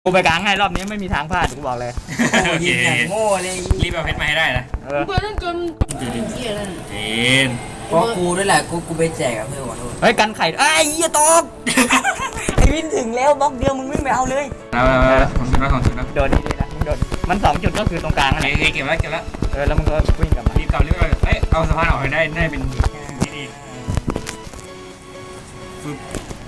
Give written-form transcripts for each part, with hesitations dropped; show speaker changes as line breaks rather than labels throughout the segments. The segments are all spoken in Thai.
กูไปกลางให้รอบนี้ไม่มีทางพลาดกูบอกเลย
โอเค
ยิงอย่างโง่เลย
รีบเอาเพชรมาให้ได้นะ
เ
เพื่อนจนเหี้ยแล้ว
เอ็น
เพราะกูด้วยแหละกูไปแจกกับเพื่อนขอโทษ
ฮ้ยกันไข่ไอ้เหี้ยตก ไอ้วินถึงแล้วบล็อกเดียวมึงวิ่งไปเอาเลย
เอาของชุดแล้วของชุดแล้ว
โดนดีๆนะมึงโดนมัน2 จุดก็คือตรงกลางนั่นแหละ
เก็บแล้วเก็บแล้ว
แล้วมึงก็วิ่งกลับมา
รีบกลับเอ้ยเอาสะพานออกให้ได้เป็นดีฟึบ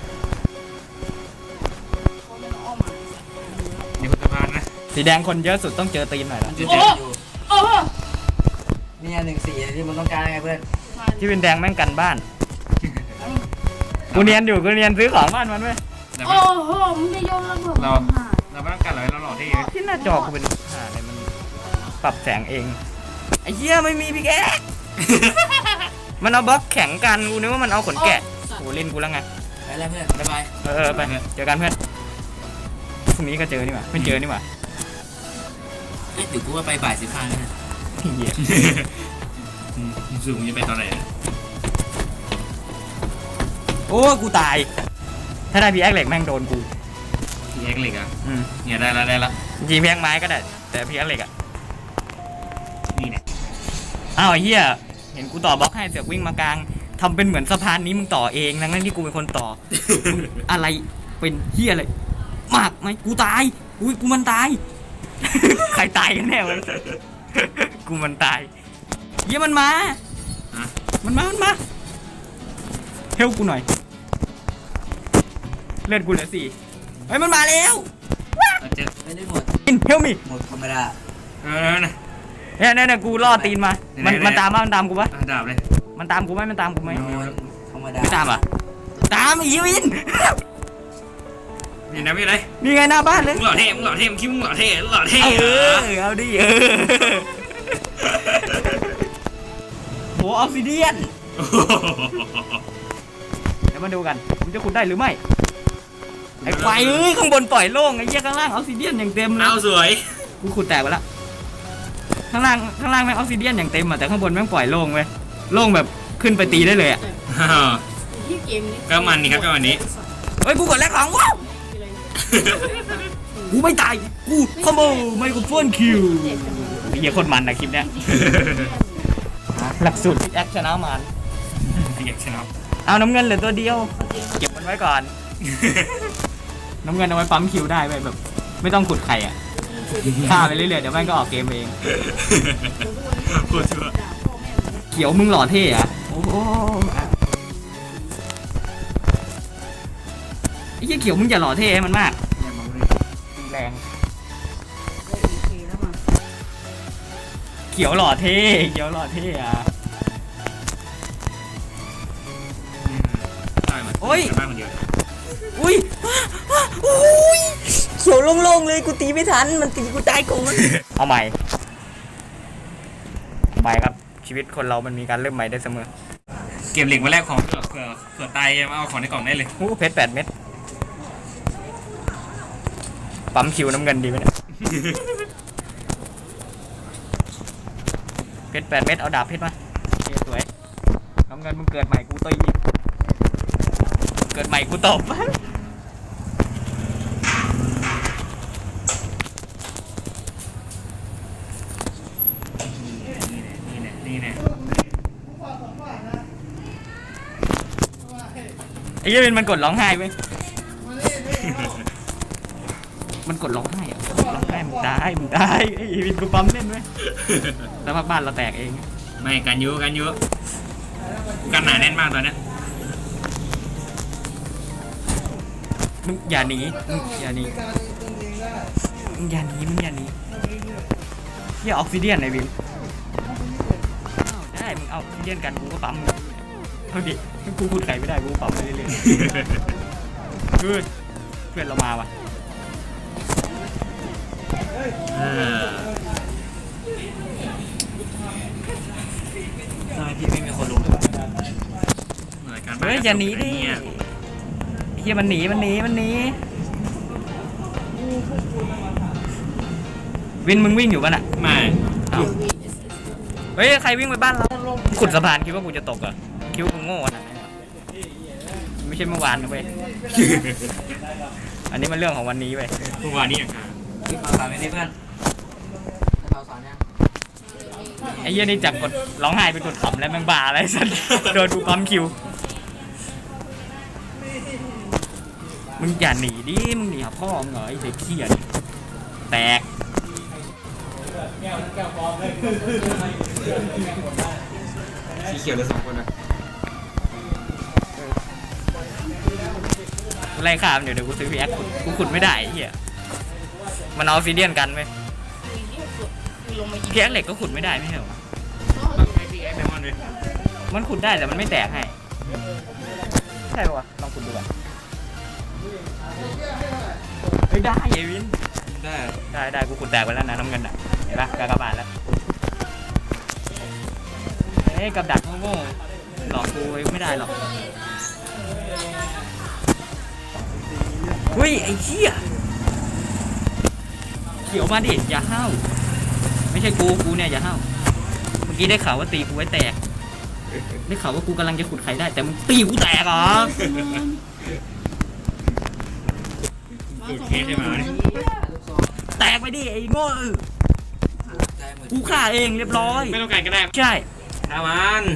นี่คือสะพานนะ
สีแดงคนเยอะสุดต้องเจอตีนหน่อยละ
จะ
โอ้
เจ็บ
อยู่
โอ้
เนี่ย1-4ที่มึงต้องการไงเพื่อน
ที่วินแดงแม่งกันบ้านกูเนียนซื้อของบ้านมันเว้ย
โอ้โหมึงจะโยนระเบิด
เราไม่ต้องการอะไรเราหล่อที่
ที่หน้าจอกูเป็นอะไรมันปรับแสงเองไอ้เหี้ยไม่มีพี่แก มันเอาบล็อกแข็งกันกูนึกว่ามันเอาขนแกะโอ้เล่นกูแล้วไง
ไปแล้วเพื่อนบ๊ายบาย
ไปเจอกันเพื่อนพรุ่งนี้ก็เจอนี่หว่าไม่เจอนี่หว่า
เดี๋ยวกูว่าไปบ่าย15นะ
เหี้ย
สูงจะไปตอนไหน
โอ้กูตายถ้าได้พีแอคเหล็กแม่งโดนกู
พี่แอ็กเหล็กอ่ะเนี่ยได้ละ
จริงพีแอคไม้ก็ได้แต่พีแอคเหล็กอ่ะ
นี่เนี่ย
อ้าวไอ้เหี้ยเห็นกูต่อบล็อกให้เสือกวิ่งมากลางทำเป็นเหมือนสะพานนี้มึงต่อเองทั้งที่กูเป็นคนต่อ อะไรเป็นเหี้ยอะไรมากไหมกูตายอุ้ยกูมันตาย ใครตายกันแน่วะ กูมันตายเหี้ยมันมาเฮลกูหน่อยเลือดกูเหลือ4เฮ้ยมันมาแล้ว
เจอ
ไม่ได้หมด
อินเฮลมี
หมดธรรมดา
นะ
เนี่ยกูล่อตีนมามันตามกูปะ
ดาบเลย
มันตามกูไหม
โดนธรรมดา
ไม่ตามอ่ะตามอีวิน
นี่นะไม่ไร
นี่ไงหน้าบ้านเลย
มึงหล่อเท่มึงคิดมึงหล่อเท่
เอาดิโหออกซิเดียนเดี๋ยวมาดูกันผมจะขุดได้หรือไม่ไอ้ควายข้างบนปล่อยโล่งไอ้เหี้ยข้างล่างออกซิเดียนอย่างเต็มเลย
เอาสวย
กูขุดแตกไปละข้างล่างแม่งออกซิเดียนอย่างเต็มอ่ะแต่ข้างบนแม่งปล่อยโล่งเว้ยโล่งแบบขึ้นไปตีได้เลยอ่ะ
ที่เกมนี้
ก็มันนี่ครับก็วันนี้
เฮ้ยกูกดแลกของว้าวกูไม่ตายกูคอมโบไมโครโฟนคิวเหี้ยคนมันนะคลิปเนี้ยหลักสูตรแอคชนะมัน
อยากชนะ
เอาน้ำเงินเหลือตัวเดียวเก็บมันไว้ก่อน น้ำเงินเอาไว้ปั๊มคิวได้แบบ ไม่ต้องขุดไข่อ่ะฆ่าไปเรื่อยๆเดี๋ยวแม่งก็ออกเกมเอง
โคตรชัว
เขียวมึงหล่อเท่อะโอ้โหไอ้เหี้ยเขียวมึงอย่าหล่อเท่ให้มันมากแรงเขียวหล่อเท่อะ
บ้านคนเดียว
อุ้ยเขียวโล่งๆเลยกูตีไม่ทันมันตีกูตายกูเอาใหม่ครับชีวิตคนเรามันมีการเริ่มใหม่ได้เสมอ
เก็บเหล็กมาแลกของเผื่อตายมาเอาของในกล่องได้เลย
เพชร8 เม็ดปั๊มคิวน้ำเงินดีไหมเนี่ยเพชร8 เม็ดเอาดาบเพชรมาสวยน้ำเงินมึงเกิดใหม่กูตีเกิดใหม่กูตบ
นี่แน่
ไอ้เหี้ยมันกดร้องไห้ไหมมันกดร้องไห้อะร้องไห้มึงตายไอ้วินกูปั๊มเล่นไหมแล้วบ้านเราแตกเอง
ไม่กันยุกันหนาแน่นมากตอนนี้
มึงอย่าหนีเหี้ยออกซิเดียนไอ้วินได้มึงเอาออกซิเดียนกันกูก็ปั๊มเอาดิกูขุดไข่ไม่ได้กูปั๊มไปเรื่อยๆเพื่อนเรามาว่ะ
ทำไมพี่ไม่มีคนรู้เลย
เฮ้ยอย่าหนีดิเฮียมันหนีวินมึงวิ่งอยู่ป่ะน่ะ
ไม่
เฮ้ยใครวิ่งไปบ้านเราขุดสะพานคิดว่ากูจะตกเหรอคิดว่ากูโง่ขนาดนั้นเหรอไม่ใช่เมื่อวานนะเว้ยอันนี้มันเรื่องของวันนี้ไป
เมื่อวานนี้อย่าง
พี่ขอสอนไม่ได้เพื่อนเราสอนยัง
ไอ้เหี้ยนี่จากกดร้องไห้เป็นกดขำแล้วแม่งบ้าอะไรสัสโดนกูปั๊มคิวมึงอย่าหนีดิมึงหนีหาพ่อมึงเหรอไอ้เด็กเขี้ยนี่แตก
สีเขียวเลย2 คนนะ
ไล่ข้ามเดี๋ยวกูซื้อพีแอคกูขุดไม่ได้ไอ้เหี้ยมันเอาซีเดียนกันไหม
ลงมายิง
พีแอคเหล็กก็ขุดไม่ได้ไม่ใช่เหรอ
ไอ้พี่ไอ้แมมอนเลย
มันขุดได้แต่มันไม่แตกให้ใช่ปะวะลองขุดดูก่อนเฮ้ยได้ไอ้วิน ได้กูขุดแตกไปแล้วนะน้ำเงินอ่ะเห็นปะกากบาทแล้วเฮ้ยกับดักโง่ๆหลอกกูไม่ได้หรอกเฮ้ยไอ้เหี้ยเขียวมาดิอย่าห้าวไม่ใช่กูเนี่ยอย่าห้าวเมื่อกี้ได้ข่าวว่าตีกูไว้แตกได้ข่าวว่ากูกำลังจะขุดไข่ได้แต่มึงตีกูแตกเหรอ
สูตรเคสใช่ไหมเนี่ย
แตกไปดิไอ้โง่
ใจหมด
กูฆ่าเองเรียบร้อย
ไม่ต้องการก็ได้
ใช่
อามัน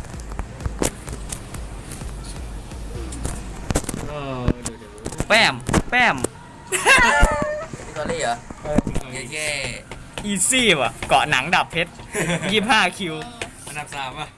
เดี๋ยว
แป้ม
พี่ตอรี่เหรอเย่
อีซี่ว่ะเกาะหนังดับเพชร25 คิว
อันดับ 3 ป่ะ